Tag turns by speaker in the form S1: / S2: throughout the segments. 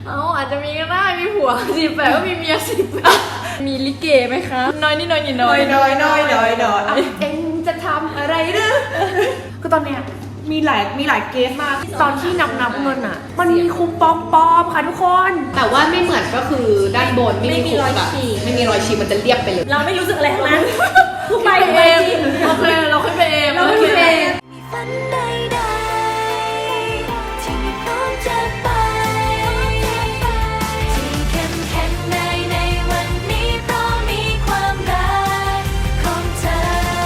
S1: อาจจะมีก็ได้มีผัว18ก็มีเมีย10มีลิเกไหมคะน้อยนี่น้อยนี่น้อย
S2: เอ็งจะทำอะไรหรือก็ตอนเนี้ยมีหลายเกสมากตอนที่นับเงินอ่ะมันมีคูปองปลอมค่ะทุกคน
S3: แต่ว่าไม่เหมือนก็คือด้านบนไม่มีรอยฉีกมันจะเรียบไปเลย
S4: เราไม่รู้สึกอะไรทั้งนั้นคือไป
S1: เองโอเคเราขึ้นไปเอง
S4: เราขึ้นไปเอง
S5: ฝันใดๆที่พร้อมจะไปที่เข้มแข็งในวันนี้เพราะมีความรักของเธอ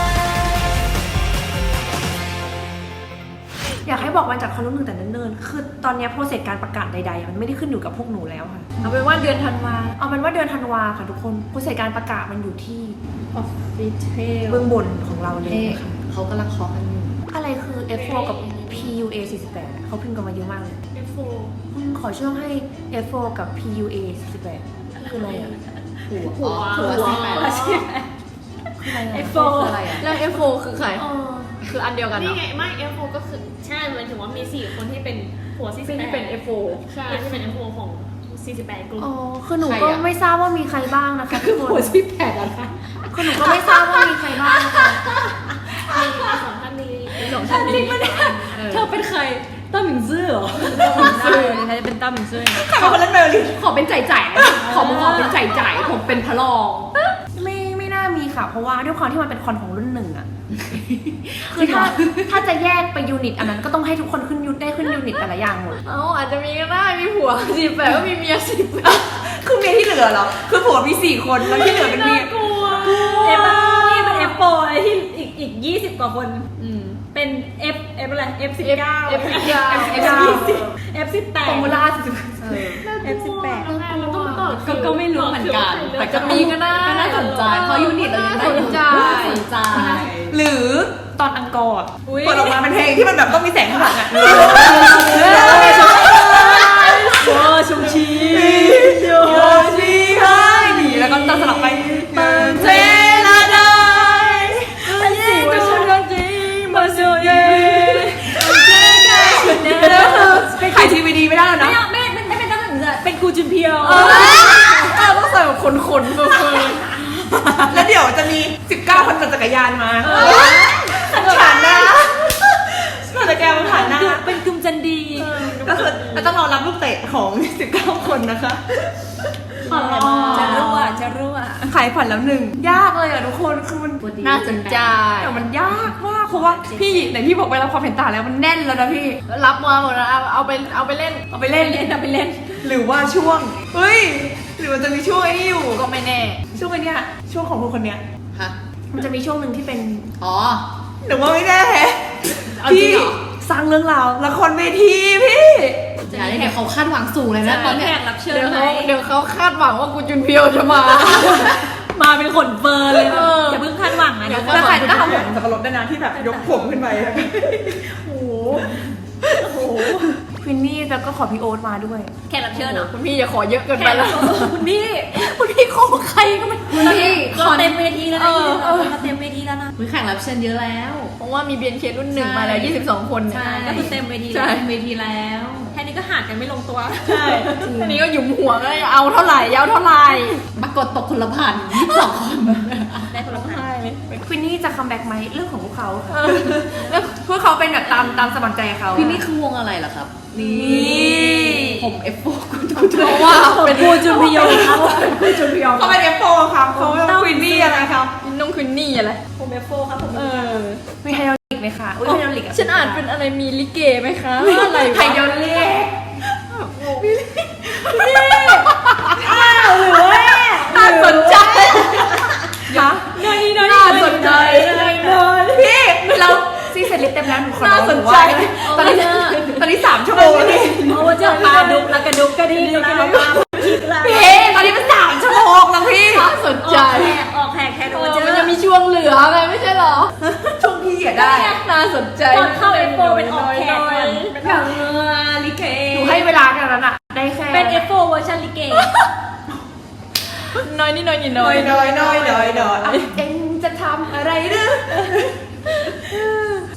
S2: อยากให้บอกวันจัดคอนรุ่นหนึ่งแต่เนิ่นๆคือตอนนี้โปรเซสการประกาศใดๆมันไม่ได้ขึ้นอยู่กับพวกหนูแล้วค่ะ
S1: เอาเป็นว่าเดือนธันวา
S2: ค่ะทุกคนโปรเซสการประกาศมันอยู่ที่
S1: Official
S2: เบื้องบนของเราเลยค่ะ
S3: เขากำลังเคาะกันอยู่
S2: อะไรคือ F4 กับ PUA 48เขาพิมพ์กันมาเยอะมากเลย
S4: F4
S2: ขอช่วงให้ F4 กับ PUA 48คืออะไรอ่ะ
S3: หัว
S2: คืออะไรอ่ะ
S4: F4
S3: อะไรอ่ะ
S1: แล้ว F4 คือใครคืออันเดียวกัน
S4: นี่ไงไม่ F4 ก็คือใช่หมายถึงว่ามี4คนที่เป็นหัว48
S1: ที่เป็น F4
S4: ใช่ที่เป็น F4 ของ48กลุ่ม
S2: คือหนูก็ไม่ทราบว่ามีใครบ้างนะคะทุกคน
S3: หัว18อะไร
S2: คือหนูก็ไม่ทราบว่ามีใครบ้างนะคะ
S4: มีสองท่านนี้
S1: จริงปะเนี่ยเธอเป็นใครต้าหมิงซื่อเหรอต้าหมิงซื่อใครจะเป็นต้าหมิงซื่อ
S3: ใครเป็นเล่นเมลิขอเป็นจ่ายขอเป็นจ่ายผมเป็นพระรอง
S2: ไม่น่ามีค่ะเพราะว่าด้วยความที่มันเป็นคอนของรุ่นหนึ่งอะคือถ้าจะแยกไปยูนิตอันนั้นก็ต้องให้ทุกคนขึ้นยูนิตแต่ละอย่างหมด
S1: อาจจะมีก็ได้มีผัว18ก็มีเมีย10
S2: คือเมียที่เหลือเหรอคือผัวมี4คนแล้วที่เหลือเป็นเมีย
S4: กลัว
S1: นี่เป็น F4 ไอ้ที่อีก20กว่าคนเป็น F อะไร F19 F18
S2: ฟอร์มูล่า
S1: F18
S3: ก็ไม่รู้เหมือนกัน
S1: แต่ก็มีก็ได้
S3: ก็น่าสนใจเพราะยูนิตเรายังได้สนใจ
S2: หรือตอนอังกอร์เปิดออกมาเป็นเพลงที่มันแบบต้องมีแสงข้างหลังอ่ะ
S1: ชมชี
S2: โยชีให้หนีแล้วก็ตัดสลับไปเปิดเทลาไดขายทีวีดีไม่ได้แล้วนะ
S1: ไม่เป็นตั้งแต่เป็นกูจุนเพียว
S2: ต้องใส่แบบขนเฟิร์นแล้วเดี๋ยวจะมี19คนปั่นจักรยานมาผ่านหน้าปั่นจักรยานมาผ่านหน้า
S1: เป็นกลุ่มจันดี
S2: ก็คือต้องรอรับลูกเตะของ19คนนะคะ
S1: จะรั่ว
S2: ขายผ่านแล้วหนึ่งยากเลยอ่ะทุกคนคือมัน
S1: น่าสนใจ
S2: แต่มันยากมากเพราะว่าพี่ไหนพี่บอกไปรับความเห็นต่างแล้วมันแน่นแล้วนะพี่
S1: รับมาหมดแล้วเอาไปเล่น
S2: หรือว่าช่วงเฮ้ยหรือมันจะมีช่วงไอ้นี่อยู่
S1: ก็ไม่แน่
S2: ช่วงไอ้นี่ช่วงของคนเนี้ย
S3: ฮะ
S2: มันจะมีช่วงหนึ่งที่เป็นหรือว่าไม่แน่
S3: พี่
S2: สร้างเรื่องราวละครเวทีพี่
S3: อย่าได้เดี๋ยวเขาคาดหวังสูงเลยนะตอนนี้
S1: รับเชิญเดี๋ยวเขาคาดหวังว่ากูจุนเพียวจะมาเป็นขนเฟิร์นเลยอย่าเพิ่งคาดหวังนะ
S2: เดี๋ยวจะใส่หน้าผมสับปะรดด้วยนะที่แบบยกผมขึ้นไปโอ้โหควินนี่แล้วก็ขอพี่โอ๊ตมาด้วย
S1: แค่รับเชิญเหรอคุณพี่อย่าขอเยอะเกินไปแล้วคุณพี่ขอใครก็ไม่
S3: คุณพี่
S1: ขอเต็มเวทีแล้วนะเราเต็มเวทีแล้วนะ
S3: แข่งรับเชิญเยอะแล้ว
S1: เพราะว่ามี BNK รุ่น1มาแล้ว22คน
S3: ใช่
S1: ก็คือเต็มเวทีแล้วแค่นี้ก็หากันไม่ลงตัว
S3: ใช่
S1: แค่นี้ก็หยุมหัวก็เอาเท่าไหร่ยาวเท่าไหร่
S3: ปรากฏตกคนละพัน22คน
S1: ได้คนละพัน
S2: ควินนี่จะคัมแบ็กไหมเรื่องของพวกเขาแล้วพวกเขาเป็นแบบตามสมัครใจเขา
S3: พี่นี่คือวงอะไรเหรอครับ
S2: นี่
S3: ผม F4
S1: เพราะว่าเป็นกูจุนพิโยเขาเป็น
S2: F4 ครับเขาเป็นควินนี่อะไรครับ
S1: น้องควินนี่อะไร
S4: ผม F4 ครับผม
S2: มีไฮดรอลิกไหมคะไฮดรอลิก
S1: ฉันอ่านเป็นอะไรมีลิเกไหมคะอะไร
S2: ไฮดรอลิก
S1: น่าสนใจ
S2: คะ
S1: น่าสนใจ
S2: พี่เราซีเสร็จลิสเต็มแล้วหนูขอ
S1: น่าสนใจ
S2: ตอนนี้3 ชั่วโมงแล้วพี่
S1: เจ้าปลาดุกแล้วกระดุกกระดิ่งแล้วมา
S2: พี่ตอนนี้มัน3 ชั่วโมงแล้วพี่
S1: น่าสนใจ
S4: ออกแขก
S1: มันจะมีช่วงเหลือไงไม่ใช่หรอ
S2: ช่วงพี่ได้
S1: น่าสนใจ
S4: ตอนเข้า F4 เป็นออกแขก
S2: อย่างลิเกหนูให้เวลากันแล้วน่ะได้แค่
S4: เป็น F4 เวอร์ชันลิเก
S1: น้อยนี่น้อย
S2: เอ็งจะทำอะไรหรือ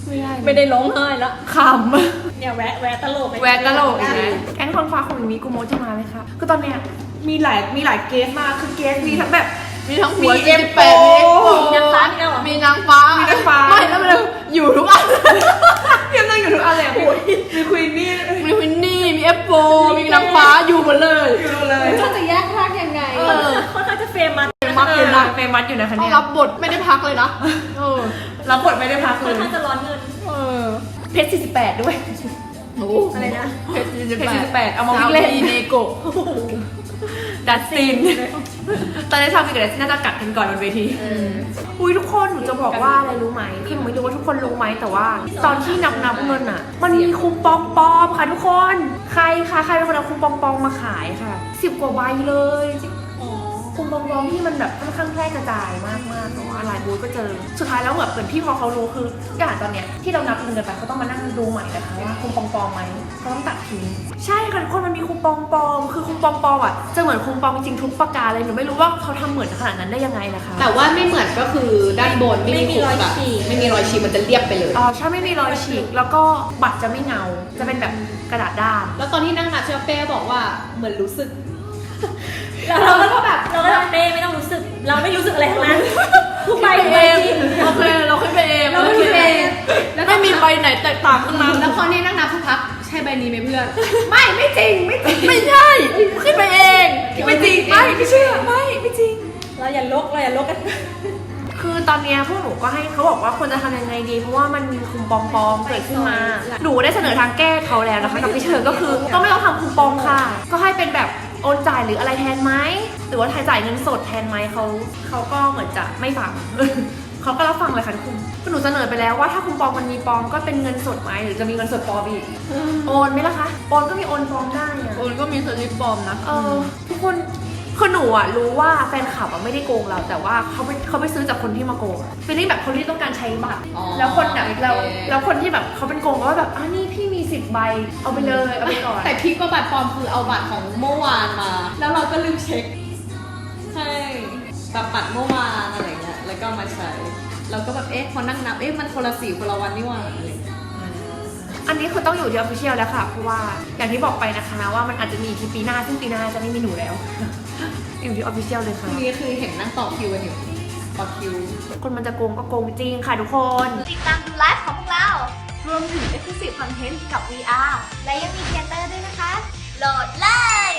S1: ไม่ได้ร้องไห้แล้ว
S2: ขำ
S4: เนี่ยแวะตลก
S2: แวะตลกแก๊งคนฟ้าของมีกูโมจะมาไหมคะคือตอนเนี้ยมีหลายเกสมากคือเกสมีทั้งแบบ
S1: มีทั้งหัว
S2: มี
S1: 48
S2: F4
S1: มี
S4: นางฟ้ามีแล้วเหรอ
S1: มีนางฟ้า
S2: มีนางฟ้า
S1: ไม่แล้วมันอยู่ทุกอัน
S2: เพียงนั่งอยู่ทุกอันเลยมีควีนนี่
S1: มีวินนี่ มี F4 มีนางฟ้าอยู่หมดเลย
S2: อยู่เลย
S3: เขาจะแยกร่างยังไง
S4: ค่อนข้างจะเฟมัส
S2: มัดอยู่นะเฟมัสอยู่นะคะ
S1: ต้อ
S2: เนี่
S1: ง
S2: ย
S1: รับบทไม่ได้พักเลยนะ
S2: รับบทไม่ได้พัก
S4: ค่
S2: เล
S4: อน
S2: ย
S4: ข้างจะร้อนเงิน
S2: เพชร48ด้วย
S1: อะไรนะเพชร
S2: เพชร48เอามาวิ่ง
S1: เล่
S2: เล่
S1: น
S2: น
S1: เนโกะ
S2: ดัสตินตอนนี้ชาวมีกับดัสตินน่าจะกัดกันก่อนบนเวทีอุ้ยทุกคนหนูจะบอกว่าอะไรรู้ไหมคือหนูไม่รู้ว่าทุกคนรู้ไหมแต่ว่า ตอนที่นับเงินอ่ะ มันมีคูปองปลอมค่ะทุกคนใครเป็นคนเอาคูปองปลอมมาขายค่ะ10 กว่าใบเลยคูปองปลอมที่มันแบบค่อนข้างแพร่กระจายมากๆแต่ว่าหลายบูธก็เจอสุดท้ายแล้วเหมือนพี่พอเขารู้คืออย่างตอนเนี้ยที่เรานับเงินกันไปเขาต้องมานั่งดูใหม่นะคะว่าคูปองปลอมไหมเขาต้องตัดทิ้งใช่ค่ะทุกคนมันมีคูปองปลอมคือคูปองปลอมอ่ะจะเหมือนคูปองจริงทุกประการเลยหนูไม่รู้ว่าเขาทำเหมือนขนาดนั้นได้ยังไงนะคะ
S3: แต่ว่าไม่เหมือนก็คือด้านบนไม่มีรอยฉีกไม่มีรอยฉีกมันจะเรียบไปเลย
S2: อ๋อใช่ไม่มีรอยฉีกแล้วก็บัตรจะไม่เงาจะเป็นแบบกระดาษด้าน
S3: แล้วตอนที่นั่งนับเชฟเป้บอกว่าเหมือนรู้สึก
S4: เราก็แบบเราก็เป้ไม่ต้องรู้สึก เราไม่รู้สึกอะไรทั้งนั้นทุกใบ
S1: ไป
S4: ทุกใบ
S1: เอง
S4: จริง
S1: โอเคเราขึ้นไปเอง
S3: เราขึ้นไปเอง
S1: ไม่มีใบไหนแตกต่างข้างใน
S3: แล้วพอนี่นั่งนับสักพักใช่ใบนี้ไหมเพื่อน
S2: ไม่จริง
S1: ไม่ใช่ขึ้นไปเอง
S2: ไม่จริงไม่เชื่อไม่จริง
S4: เราอย่าลกกัน
S2: คือตอนเนี้ยพวกหนูก็ให้เขาบอกว่าควรจะทำยังไงดีเพราะว่ามันมีคูปองปลอมเกิดขึ้นมาหนูได้เสนอทางแก้เขาแล้วนะคะกับพี่เชอร์ก็คือก็ไม่ต้องทำคูปองค่ะ ก็ให้เป็นแบบโอนจ่ายหรืออะไรแทนไหมหรือว่าจ่ายเงินสดแทนไหมเขาก็เหมือนจะไม่ฟัง เขาก็รับฟังเลยค่ะทุกคนคือหนูเสนอไปแล้วว่าถ้าคูปองมันมีปลอมก็เป็นเงินสดไหมหรือจะมีเงินสดปลอมอีกโอนไหมล่ะคะโอนก็มีโอนปลอมได้อะ
S1: โอนก็มีสลิปปลอมนะ
S2: ทุกคนคือหนูอ่ะรู้ว่าแฟนคลับอ่ะไม่ได้โกงเราแต่ว่าเขาไปซื้อจากคนที่มาโกงฟีลลิ่งแบบคนที่ต้องการใช้บัตร
S3: อ๋อ
S2: แล้วคนแบบ
S3: โอเค
S2: แล้วคนที่แบบเขาเป็นโกงก็แบบนี่พี่มี10 ใบเอาไปเลยเอาไปก่อน
S3: แต่พีคกว่าบัตรปลอมคือเอาบัตรของเมื่อวานมา แล้วเราก็ลืมเช็ค ใช่แบบบัตรเมื่อวานอะไรเงี้ยแล้วก็มาใช้เราก็แบบพอนั่งนับมันคนละสีคนละวันนี่หว่าอะไรเงี้ย
S2: อันนี้คือต้องอยู่ที่ official แล้วค่ะเพราะว่าอย่างที่บอกไปนะคะว่ามันอาจจะมีที่ปีหน้าซึ่งปีหน้าจะไม่มีหนูแล้ว อยู่ที่ official เลยค่ะ
S3: ทีนี้คือเห็นนั่งต่อคิวกันอยู่ต่อคิว
S2: คนมันจะโกงก็โกงจริงค่ะทุกคน
S5: ติดตามดูไลฟ์ของพวกเรา รวมถึง Exclusive Content กับ VR และยังมีเทเตอร์ด้วยนะคะ โหลดเลย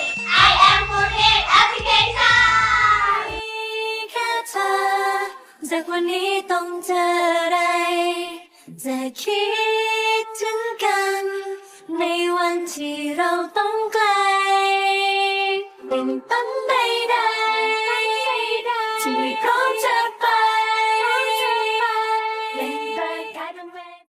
S5: I am 48 Application แค่เธอจากวันนี้ต้องเจออะไร จะคิดถึงกัน ในวันที่เราต้องไกลเป็นต้นใดๆที่ไม่พร้อ